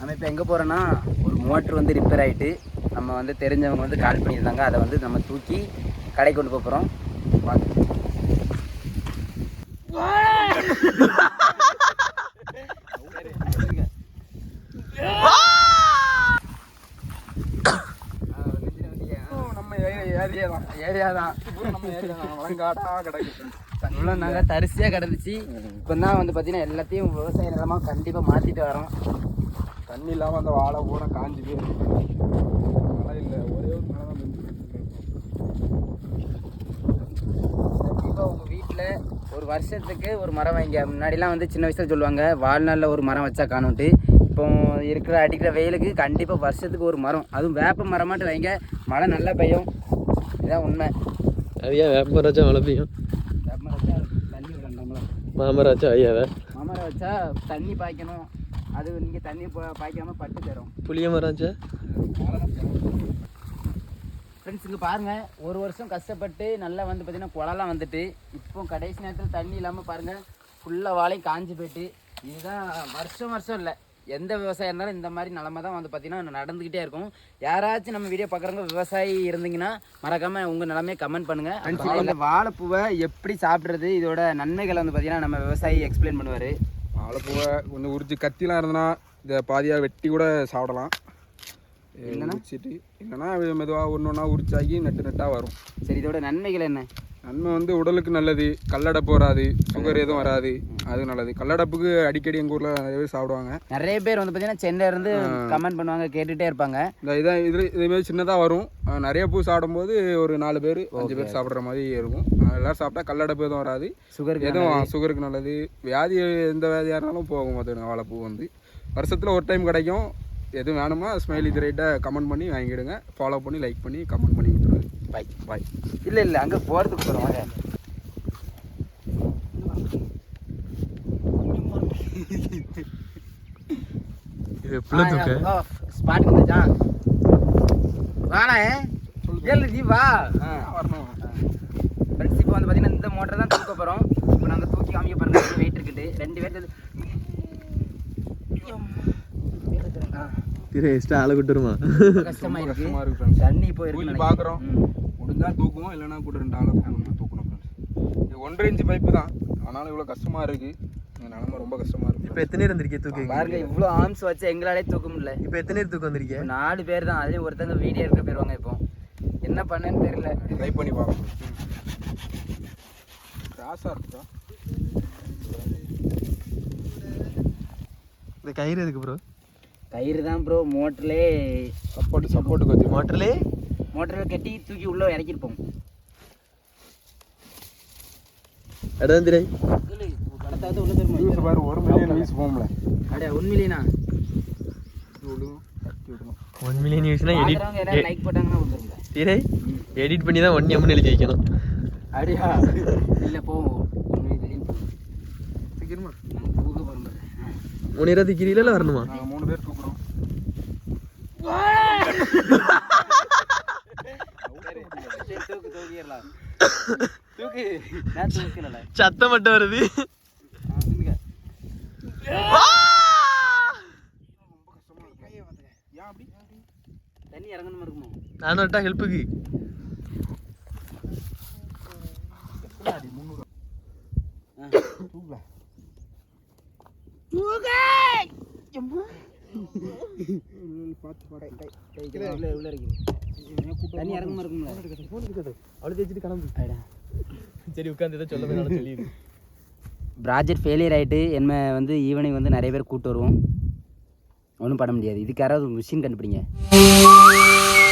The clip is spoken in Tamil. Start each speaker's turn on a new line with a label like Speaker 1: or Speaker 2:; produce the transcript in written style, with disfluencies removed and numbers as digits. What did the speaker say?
Speaker 1: நம்ம இப்போ எங்கே போகிறோன்னா ஒரு மோட்ரு வந்து ரிப்பேர் ஆகிட்டு நம்ம வந்து தெரிஞ்சவங்க வந்து கால் பண்ணியிருந்தாங்க. அதை வந்து நம்ம தூக்கி கடைக்கு கொண்டு போகிறோம். வாங்க. இவ்வளோ நாங்கள் தரிசியாக கிடந்துச்சு. இப்போ தான் வந்து பார்த்தீங்கன்னா எல்லாத்தையும் விவசாய நிலமாக கண்டிப்பாக மாற்றிட்டு வரோம்.
Speaker 2: தண்ணி இல்லாமல் அந்த வாழை பூரா காஞ்சி போயிருக்கு. மழை இல்லை, ஒரே ஒரு மழை தான்
Speaker 1: கண்டிப்பாக உங்கள் வீட்டில் ஒரு வருஷத்துக்கு ஒரு மரம் வைங்க. முன்னாடிலாம் வந்து சின்ன வயசில் சொல்லுவாங்க வாழ்நாளில் ஒரு மரம் வச்சா காணுன்ட்டு. இப்போ இருக்கிற அடிக்கிற வெயிலுக்கு கண்டிப்பாக வருஷத்துக்கு ஒரு மரம், அதுவும் வேப்ப மரமாட்டு வைங்க. மழை நல்லா பெய்யும். இதுதான் உண்மை.
Speaker 3: ஐயா வேப்ப மரம் வச்சா மழை பெய்யும்.
Speaker 1: வேப்ப மரம் வச்சா தண்ணி விடணும். நம்மளும்
Speaker 3: மாமரம் வச்சா ஐயாவே
Speaker 1: மாமரம் வச்சா தண்ணி பாய்க்கணும். அது நீங்கள் தண்ணி பாய்க்காமல் பட்டு தரும்.
Speaker 3: புளிய மரம் வச்சா
Speaker 1: ஃப்ரெண்ட்ஸ் இங்கே பாருங்கள், ஒரு வருஷம் கஷ்டப்பட்டு நல்லா வந்து பார்த்திங்கன்னா குளம்லாம் வந்துட்டு இப்போ கடைசி நேரத்தில் தண்ணி இல்லாமல் பாருங்கள் ஃபுல்லாக வாழையும் காஞ்சி போயிட்டு. இதுதான் வருஷம் இல்லை, எந்த விவசாயம் இருந்தாலும் இந்த மாதிரி நிலமை தான் வந்து பார்த்திங்கன்னா நடந்துக்கிட்டே இருக்கும். யாராச்சும் நம்ம வீடியோ பார்க்குறவங்க விவசாயி இருந்தீங்கன்னா மறக்காமல் உங்கள் நிலமையை கமெண்ட் பண்ணுங்கள். இந்த வாழைப்பூவை எப்படி சாப்பிட்றது, இதோட நன்மைகளை வந்து பார்த்திங்கன்னா நம்ம விவசாயி எக்ஸ்பிளைன் பண்ணுவார்.
Speaker 2: வாழைப்பூவை கொஞ்சம் உரிச்சு கத்திலாம் இருந்தனா இதை பாதியாக வெட்டி கூட சாப்பிடலாம். உரிச்சிட்டு இல்லைன்னா மெதுவாக ஒன்று ஒன்றா உரிச்சாக்கி நெட்டாக வரும்.
Speaker 1: சரி, இதோட நன்மைகள் என்ன?
Speaker 2: நன்மை வந்து உடலுக்கு நல்லது, கல்லடப்பு வராது, சுகர் எதுவும் வராது, அது நல்லது. கல்லடப்புக்கு அடிக்கடி எங்கள் ஊரில் நிறைய பேர் சாப்பிடுவாங்க.
Speaker 1: நிறைய பேர் வந்து பார்த்தீங்கன்னா சென்னையிலேருந்து கமெண்ட் பண்ணுவாங்க, கேட்டுகிட்டே இருப்பாங்க.
Speaker 2: இதேமாரி சின்னதாக வரும். நிறைய பூ சாப்பிடும்போது ஒரு 4 பேர் 5 பேர் சாப்பிட்ற மாதிரி இருக்கும். எல்லோரும் சாப்பிட்டா கல்லடப்பு எதுவும் வராது, சுகருக்கு நல்லது. வியாதி எந்த வியாதியாக இருந்தாலும் போகும். அது வாழைப்பூ வந்து வருஷத்தில் ஒரு டைம் கிடைக்கும். எது வேணுமோ ஸ்மைல் இது ரைட்டை கமெண்ட் பண்ணி வாங்கிடுங்க. ஃபாலோ பண்ணி லைக் பண்ணி கமெண்ட் பண்ணி கொடுத்துருங்க.
Speaker 1: பாய். இல்லை அங்கே போகிறதுக்கு போகிறோம். வாங்க. ஸ்பாட் வந்துச்சா வாடா ஏழு நீ வா வரணும். ஃப்ரெண்ட்ஸ் இப்போ வந்து பார்த்தீங்கன்னா இந்த மோட்டர் தான் தூக்க போகிறோம். இப்போ நாங்கள் தூக்கி காமிக்க பாருங்க, வெயிட் இருக்குது. 2 பேர் கஷ்டமா இருக்கு. தண்ணி போயிருக்கு
Speaker 2: பார்க்குறோம். முடிஞ்சா தூக்குவோம், இல்லைன்னா கூட 2 ஆளை தூக்கணும். இது 1.5 இன்ச்சு பைப்பு தான், ஆனாலும் இவ்வளோ கஷ்டமாக இருக்குது. நிலமை ரொம்ப கஷ்டமாக இருக்குது.
Speaker 3: இப்போ எத்தனை இருந்திருக்கே தூக்கி
Speaker 1: பாருங்க, இவ்வளோ ஆர்ம்ஸ் வச்சு எங்களாலே தூக்க முடியல.
Speaker 3: இப்போ எத்தனை தூக்கம் வந்திருக்கேன்?
Speaker 1: 4 பேர் தான். அதே ஒருத்தங்க வீடியோ எடுக்க போயிடுவாங்க. இப்போ என்ன பண்ணேன்னு தெரியல.
Speaker 2: ட்ரை பண்ணி பார்க்கணும். கிராஸாக இருக்குதா
Speaker 3: இந்த கயிறு எதுக்கு ப்ரோ?
Speaker 1: கயிறு தான் ப்ரோ. மோட்டர்லேயே
Speaker 2: சப்போர்ட்டுக்கு வச்சு
Speaker 1: மோட்டரில் கட்டி தூக்கி உள்ளே இறக்கிருப்போம்.
Speaker 3: அடந்திரை
Speaker 1: கடத்தாவது உள்ள தருமா
Speaker 2: பாரு. 1 மில்லியன் வியூஸ் போகும்ல.
Speaker 1: அடே 1 மில்லியனா?
Speaker 3: 1 மில்லியன் வியூஸ்னா
Speaker 1: எடிட் லைக் போட்டாங்கன்னா வந்துருங்க.
Speaker 3: திரை எடிட் பண்ணி தான் 1 எம்னு எழுதி வைக்கணும்.
Speaker 1: அப்படியா? இல்லை போவோம்.
Speaker 2: சீக்கிரமா
Speaker 1: நாங்கள் தூக்க போகிறோம்.
Speaker 3: 3 இருபது கிரியில வரணுமா?
Speaker 2: 3 பேர் தூக்குறோம்.
Speaker 3: சத்தம் மட்டும் வருது.
Speaker 1: தண்ணி இறங்கணுமா இருக்குமோ?
Speaker 3: நானும் வட்டா ஹெல்ப்புக்கு.
Speaker 1: தண்ணி இறங்கமா இருக்கும்ல.
Speaker 3: அவ்வளோ தேய்ச்சிட்டு கிளம்பு. சரி உட்காந்து சொல்ல போய் சொல்லிடு.
Speaker 1: ப்ராஜெக்ட் ஃபெயிலியர் ஆகிட்டு என்ன வந்து ஈவினிங் வந்து நிறைய பேர் கூப்பிட்டு வருவோம். ஒன்றும் பண்ண முடியாது. இதுக்கு யாராவது மிஷின் கண்டுபிடிங்க.